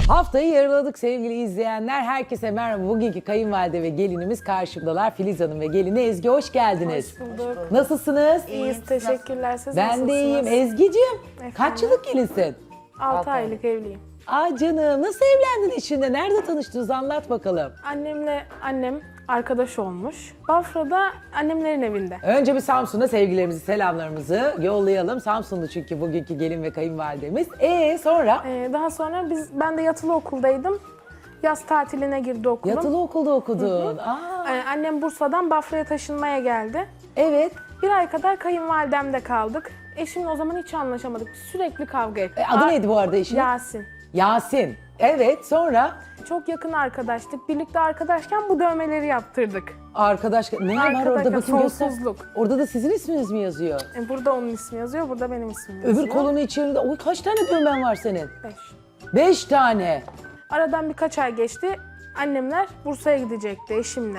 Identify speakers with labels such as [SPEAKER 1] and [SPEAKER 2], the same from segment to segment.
[SPEAKER 1] Haftayı yarıladık sevgili izleyenler. Herkese merhaba. Bugünkü kayınvalide ve gelinimiz karşımdalar. Filiz Hanım ve gelini Ezgi, hoş geldiniz.
[SPEAKER 2] Hoş bulduk.
[SPEAKER 1] Nasılsınız?
[SPEAKER 2] İyiyiz, teşekkürler. Siz
[SPEAKER 1] Ben
[SPEAKER 2] nasılsınız?
[SPEAKER 1] de iyiyim. Ezgi'cim, kaç yıllık gelinsin?
[SPEAKER 2] 6 aylık evliyim.
[SPEAKER 1] Aa canım, nasıl evlendin eşinle? Nerede tanıştınız? Anlat bakalım.
[SPEAKER 2] Annem arkadaş olmuş. Bafra'da annemlerin evinde.
[SPEAKER 1] Önce bir Samsun'a sevgilerimizi, selamlarımızı yollayalım. Samsunlu çünkü bugünkü gelin ve kayınvalidemiz. Sonra?
[SPEAKER 2] Daha sonra ben de yatılı okuldaydım. Yaz tatiline girdi okulum.
[SPEAKER 1] Yatılı okulda okudun. Aa,
[SPEAKER 2] Annem Bursa'dan Bafra'ya taşınmaya geldi.
[SPEAKER 1] evet.
[SPEAKER 2] Bir ay kadar kayınvalidemde kaldık. Eşimle o zaman hiç anlaşamadık. Sürekli kavga ettik.
[SPEAKER 1] Adı neydi bu arada eşinin?
[SPEAKER 2] Yasin.
[SPEAKER 1] Yasin. Evet, sonra?
[SPEAKER 2] Çok yakın arkadaştık. Birlikte arkadaşken bu dövmeleri yaptırdık.
[SPEAKER 1] Arkadaş, ne var
[SPEAKER 2] Arkadaşlar,
[SPEAKER 1] orada? Bakın göster.
[SPEAKER 2] sonsuzluk.
[SPEAKER 1] Orada da sizin isminiz mi yazıyor?
[SPEAKER 2] Burada onun ismi yazıyor, burada benim ismim yazıyor.
[SPEAKER 1] Öbür kolunun içinde, oy kaç tane düğmen var senin?
[SPEAKER 2] 5.
[SPEAKER 1] 5 tane.
[SPEAKER 2] Aradan birkaç ay geçti. Annemler Bursa'ya gidecekti eşimle.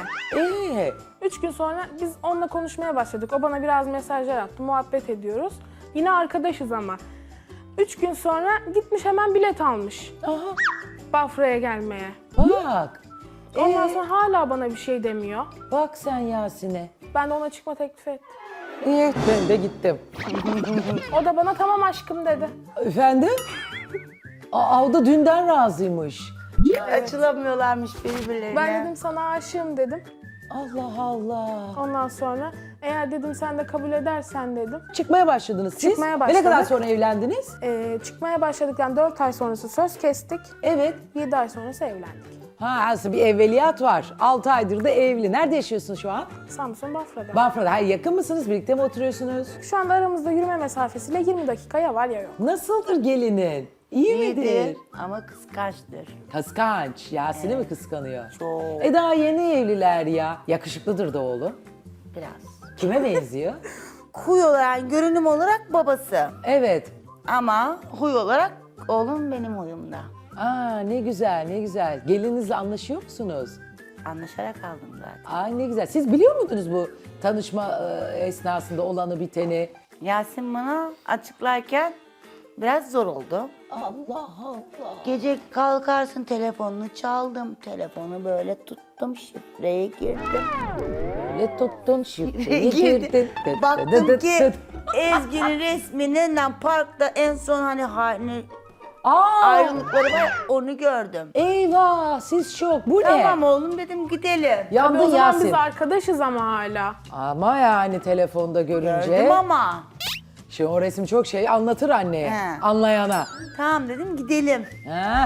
[SPEAKER 2] 3 gün sonra biz onunla konuşmaya başladık. O bana biraz mesajlar attı. Muhabbet ediyoruz. Yine arkadaşız ama. 3 gün sonra gitmiş hemen bilet almış.
[SPEAKER 1] Aha,
[SPEAKER 2] Bafra'ya gelmeye.
[SPEAKER 1] bak.
[SPEAKER 2] Ondan sonra hala bana bir şey demiyor.
[SPEAKER 1] Bak sen Yasin'e.
[SPEAKER 2] Ben de ona çıkma teklif ettim.
[SPEAKER 1] İyi, ben de gittim.
[SPEAKER 2] O da bana tamam aşkım dedi.
[SPEAKER 1] Efendim? Aa, o da dünden razıymış.
[SPEAKER 3] Açılamıyorlarmış birbirlerine.
[SPEAKER 2] Ben dedim sana aşığım dedim.
[SPEAKER 1] Allah Allah.
[SPEAKER 2] Ondan sonra eğer dedim sen de kabul edersen dedim.
[SPEAKER 1] Çıkmaya başladınız siz.
[SPEAKER 2] Çıkmaya
[SPEAKER 1] Ve ne kadar
[SPEAKER 2] başladık.
[SPEAKER 1] sonra evlendiniz?
[SPEAKER 2] Çıkmaya başladıktan 4 ay sonrası söz kestik.
[SPEAKER 1] Evet.
[SPEAKER 2] 7 ay sonrası evlendik.
[SPEAKER 1] Ha, aslında bir evveliyat var. 6 aydır da evli. Nerede yaşıyorsun şu an?
[SPEAKER 2] Samsun Bafra'da.
[SPEAKER 1] Bafra'da. Hayır, yakın mısınız? Birlikte mi oturuyorsunuz?
[SPEAKER 2] Şu anda aramızda yürüme mesafesiyle 20 dakika ya var ya yok.
[SPEAKER 1] Nasıldır gelinin? İyi midir?
[SPEAKER 3] İyidir ama kıskançtır.
[SPEAKER 1] Kıskanç. Yasin'i mi kıskanıyor?
[SPEAKER 3] Çok.
[SPEAKER 1] Daha yeni evliler ya. Yakışıklıdır da oğlum.
[SPEAKER 3] Biraz.
[SPEAKER 1] Kime benziyor?
[SPEAKER 3] Huy olarak, görünüm olarak babası.
[SPEAKER 1] Evet.
[SPEAKER 3] Ama huy olarak oğlum benim huyumda.
[SPEAKER 1] Aa, ne güzel, ne güzel. Gelinizle anlaşıyor musunuz?
[SPEAKER 3] Anlaşarak aldım zaten.
[SPEAKER 1] Aa, ne güzel. Siz biliyor muydunuz bu tanışma esnasında olanı biteni?
[SPEAKER 3] Yasin bana açıklarken biraz zor oldu.
[SPEAKER 1] Allah Allah.
[SPEAKER 3] Gece kalkarsın telefonunu çaldım. Telefonu böyle tuttum, şifreye girdim.
[SPEAKER 1] Öyle tuttun, şifreyi girdin.
[SPEAKER 3] Baktım ki Ezgi'nin resminden parkta en son hani
[SPEAKER 1] Aa,
[SPEAKER 3] ayrılıkları var, onu gördüm.
[SPEAKER 1] eyvah, siz şok. Bu ne?
[SPEAKER 3] Tamam oğlum dedim, gidelim.
[SPEAKER 2] Tabii
[SPEAKER 1] Yandın
[SPEAKER 2] o zaman
[SPEAKER 1] Yasin.
[SPEAKER 2] biz arkadaşız ama hala.
[SPEAKER 1] Ama yani telefonda görünce.
[SPEAKER 3] Gördüm ama.
[SPEAKER 1] Şimdi o resim çok şey anlatır anneye,
[SPEAKER 3] He.
[SPEAKER 1] anlayana.
[SPEAKER 3] Tamam dedim, gidelim.
[SPEAKER 1] Heh.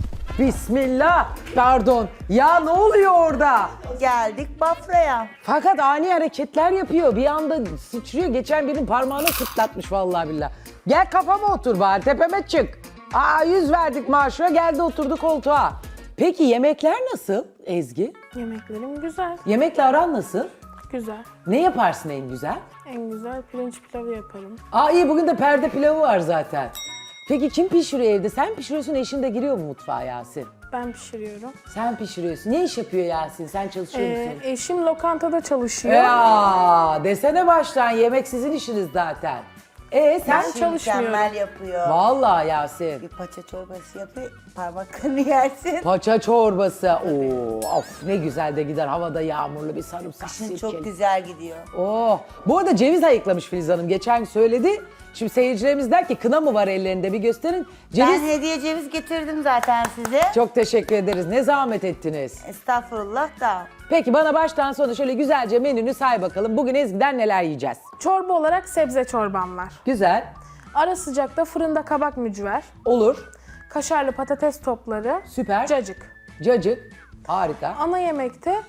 [SPEAKER 1] Bismillah. Pardon. Ya ne oluyor orada?
[SPEAKER 3] Geldik Bafra'ya.
[SPEAKER 1] Fakat ani hareketler yapıyor. Bir anda sıçrıyor. Geçen birinin parmağını sıtlatmış vallahi billah. Gel kafama otur bari, tepeme çık. Aa, 100 verdik maaşına, geldi oturdu koltuğa. Peki yemekler nasıl Ezgi?
[SPEAKER 2] Yemeklerim güzel.
[SPEAKER 1] Yemekle aran nasıl?
[SPEAKER 2] Güzel.
[SPEAKER 1] Ne yaparsın en güzel?
[SPEAKER 2] En güzel pirinç pilavı yaparım.
[SPEAKER 1] Aa, iyi, bugün de perde pilavı var zaten. Peki kim pişiriyor evde? Sen pişiriyorsun, eşin de giriyor mu mutfağa Yasin?
[SPEAKER 2] Ben pişiriyorum.
[SPEAKER 1] Sen pişiriyorsun. Ne iş yapıyor Yasin? Sen çalışıyor musun?
[SPEAKER 2] Eşim lokantada çalışıyor.
[SPEAKER 1] Ya desene baştan, yemek sizin işiniz zaten. Sen
[SPEAKER 2] Ben çalışmıyorum.
[SPEAKER 3] Mükemmel yapıyor.
[SPEAKER 1] Vallahi Yasin.
[SPEAKER 3] Bir paça çorbası yapıyor, parmaklarını yersin.
[SPEAKER 1] Paça çorbası. Oo, of ne güzel de gider, havada yağmurlu bir sarımsak
[SPEAKER 3] Kışın
[SPEAKER 1] sirkeli.
[SPEAKER 3] çok güzel gidiyor.
[SPEAKER 1] Oh. Bu arada ceviz ayıklamış Filiz Hanım. Geçen gün söyledi. Şimdi seyircilerimiz der ki kına mı var ellerinde, bir gösterin. Ceviz.
[SPEAKER 3] Ben hediye ceviz getirdim zaten size.
[SPEAKER 1] Çok teşekkür ederiz. Ne zahmet ettiniz.
[SPEAKER 3] Estağfurullah da.
[SPEAKER 1] Peki bana baştan sona şöyle güzelce menünü say bakalım. Bugün Ezgi'den neler yiyeceğiz?
[SPEAKER 2] Çorba olarak sebze çorbam var.
[SPEAKER 1] Güzel.
[SPEAKER 2] Ara sıcakta fırında kabak mücver,
[SPEAKER 1] Olur.
[SPEAKER 2] kaşarlı patates topları,
[SPEAKER 1] Süper.
[SPEAKER 2] cacık.
[SPEAKER 1] Cacık. Harika.
[SPEAKER 2] Ana yemekte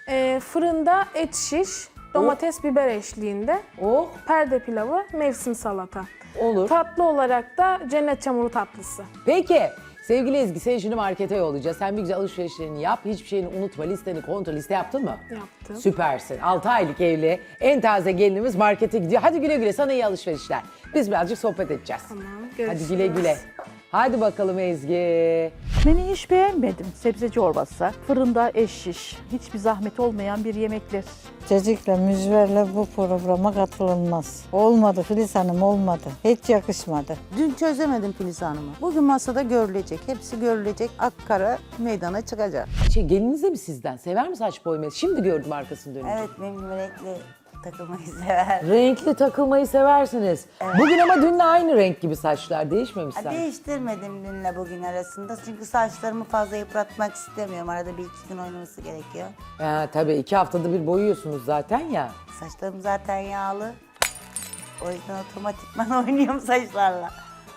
[SPEAKER 2] fırında et şiş, domates biber eşliğinde,
[SPEAKER 1] Oh,
[SPEAKER 2] perde pilavı, mevsim salata.
[SPEAKER 1] olur.
[SPEAKER 2] Tatlı olarak da cennet çamuru tatlısı.
[SPEAKER 1] Peki. Sevgili Ezgi, seni şimdi markete yollayacağız. Sen bir güzel alışverişlerini yap. Hiçbir şeyini unutma. Listeni kontrol. Liste yaptın mı?
[SPEAKER 2] Yaptım.
[SPEAKER 1] Süpersin. 6 aylık evli. En taze gelinimiz markete gidiyor. Hadi güle güle. Sana iyi alışverişler. Biz birazcık sohbet edeceğiz.
[SPEAKER 2] Tamam,
[SPEAKER 1] Hadi
[SPEAKER 2] görüşürüz.
[SPEAKER 1] güle güle. Hadi bakalım Ezgi.
[SPEAKER 4] Menüyü hiç beğenmedim. Sebze çorbası, fırında eş şiş. Hiçbir zahmet olmayan bir yemekler.
[SPEAKER 5] Cacıkla, mücverle bu programa katılınmaz. Olmadı Filiz Hanım, olmadı. Hiç yakışmadı.
[SPEAKER 6] Dün çözemedim Filiz Hanım'ı. Bugün masada görülecek. Hepsi görülecek. Akkara meydana çıkacak.
[SPEAKER 1] Geliniz de mi sizden? Sever mi saç boyamayı? Şimdi gördüm arkasını dönünce.
[SPEAKER 3] Evet, benim renkli takılmayı sever.
[SPEAKER 1] Renkli takılmayı seversiniz. Bugün ama dünle aynı renk gibi saçlar. Değişmemiş sanki.
[SPEAKER 3] Değiştirmedim dünle bugün arasında. Çünkü saçlarımı fazla yıpratmak istemiyorum. Arada bir iki gün oynaması gerekiyor.
[SPEAKER 1] Tabii 2 haftada bir boyuyorsunuz zaten ya.
[SPEAKER 3] Saçlarım zaten yağlı. O yüzden otomatikman oynuyorum saçlarla.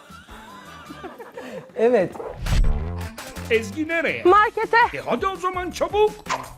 [SPEAKER 1] Evet.
[SPEAKER 7] Ezgi nereye?
[SPEAKER 2] Markete.
[SPEAKER 7] Hadi o zaman çabuk.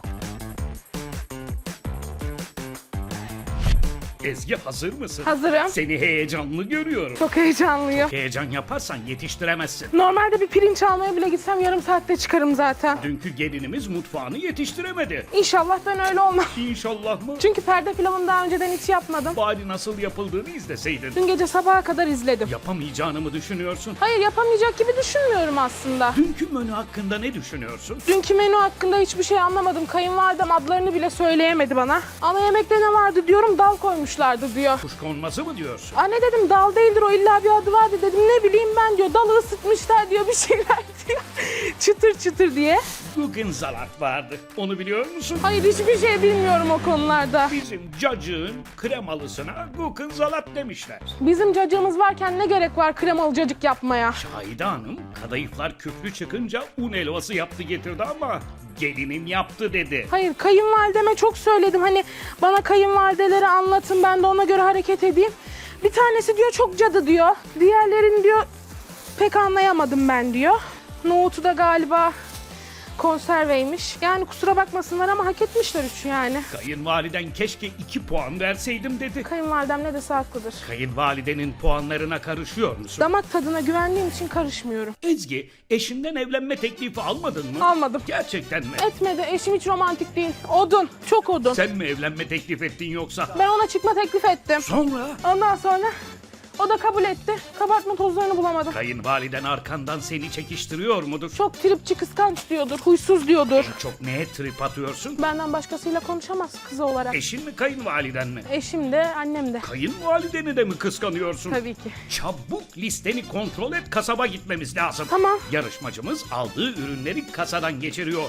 [SPEAKER 7] Ezgi hazır mısın?
[SPEAKER 2] Hazırım.
[SPEAKER 7] Seni heyecanlı görüyorum.
[SPEAKER 2] Çok heyecanlıyım.
[SPEAKER 7] Heyecan yaparsan yetiştiremezsin.
[SPEAKER 2] Normalde bir pirinç almaya bile gitsem yarım saatte çıkarım zaten.
[SPEAKER 7] Dünkü gelinimiz mutfağını yetiştiremedi.
[SPEAKER 2] İnşallah ben öyle olmam.
[SPEAKER 7] İnşallah mı?
[SPEAKER 2] Çünkü perde pilavını daha önceden hiç yapmadım.
[SPEAKER 7] Bari nasıl yapıldığını izleseydin.
[SPEAKER 2] Dün gece sabaha kadar izledim.
[SPEAKER 7] Yapamayacağını mı düşünüyorsun?
[SPEAKER 2] Hayır, yapamayacak gibi düşünmüyorum aslında.
[SPEAKER 7] Dünkü menü hakkında ne düşünüyorsun?
[SPEAKER 2] Dünkü menü hakkında hiçbir şey anlamadım. Kayınvalidem adlarını bile söyleyemedi bana. Ana yemekte ne vardı diyorum, dal koymuşlardı diyor.
[SPEAKER 7] Kuşkonması mı diyorsun?
[SPEAKER 2] Anne dedim, dal değildir o, illa bir adı vardı dedim. Ne bileyim ben diyor, dalı ısıtmışlar diyor, bir şeyler diyor. Çıtır çıtır diye.
[SPEAKER 7] Bugün salat vardı. Onu biliyor musun?
[SPEAKER 2] Hayır, hiçbir şey bilmiyorum o konularda.
[SPEAKER 7] Bizim cacığın kremalısına Gurkensalat demişler.
[SPEAKER 2] Bizim cacığımız varken ne gerek var kremalı cacık yapmaya?
[SPEAKER 7] Şahide Hanım kadayıflar küflü çıkınca un helvası yaptı getirdi ama gelinin yaptı dedi.
[SPEAKER 2] Hayır, kayınvalideme çok söyledim. Hani bana kayınvalideleri anlatın, ben de ona göre hareket edeyim. Bir tanesi diyor çok cadı diyor. Diğerlerini diyor pek anlayamadım ben diyor. Nohutu da galiba konserveymiş. Yani kusura bakmasınlar ama hak etmişler üçü yani.
[SPEAKER 7] Kayınvaliden keşke 2 puan verseydim dedi.
[SPEAKER 2] Kayınvalidem ne dese haklıdır.
[SPEAKER 7] Kayınvalidenin puanlarına karışıyor musun?
[SPEAKER 2] Damak tadına güvendiğim için karışmıyorum.
[SPEAKER 7] Ezgi, eşinden evlenme teklifi almadın mı?
[SPEAKER 2] Almadım.
[SPEAKER 7] Gerçekten mi?
[SPEAKER 2] Etmedi. Eşim hiç romantik değil. Odun. Çok odun.
[SPEAKER 7] Sen mi evlenme teklif ettin yoksa?
[SPEAKER 2] Ben ona çıkma teklif ettim.
[SPEAKER 7] Sonra?
[SPEAKER 2] Ondan sonra o da kabul etti. Kabartma tozlarını bulamadım.
[SPEAKER 7] Kayınvaliden arkandan seni çekiştiriyor mudur?
[SPEAKER 2] Çok tripçi, kıskanç diyordur. Huysuz diyordur.
[SPEAKER 7] Çok neye trip atıyorsun?
[SPEAKER 2] Benden başkasıyla konuşamaz kızı olarak.
[SPEAKER 7] Eşin mi kayınvaliden mi?
[SPEAKER 2] Eşim de, annem de.
[SPEAKER 7] Kayınvalideni de mi kıskanıyorsun?
[SPEAKER 2] Tabii ki.
[SPEAKER 7] Çabuk listeni kontrol et, kasaba gitmemiz lazım.
[SPEAKER 2] Tamam.
[SPEAKER 7] Yarışmacımız aldığı ürünleri kasadan geçiriyor.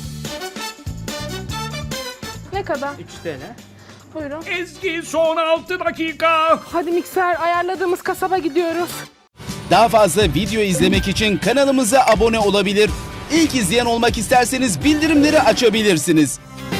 [SPEAKER 2] Ne kadar?
[SPEAKER 8] 3 TL.
[SPEAKER 2] Buyurun.
[SPEAKER 7] Ezgi son 6 dakika.
[SPEAKER 2] Hadi mikser, ayarladığımız kasaba gidiyoruz.
[SPEAKER 9] Daha fazla video izlemek için kanalımıza abone olabilir. İlk izleyen olmak isterseniz bildirimleri açabilirsiniz.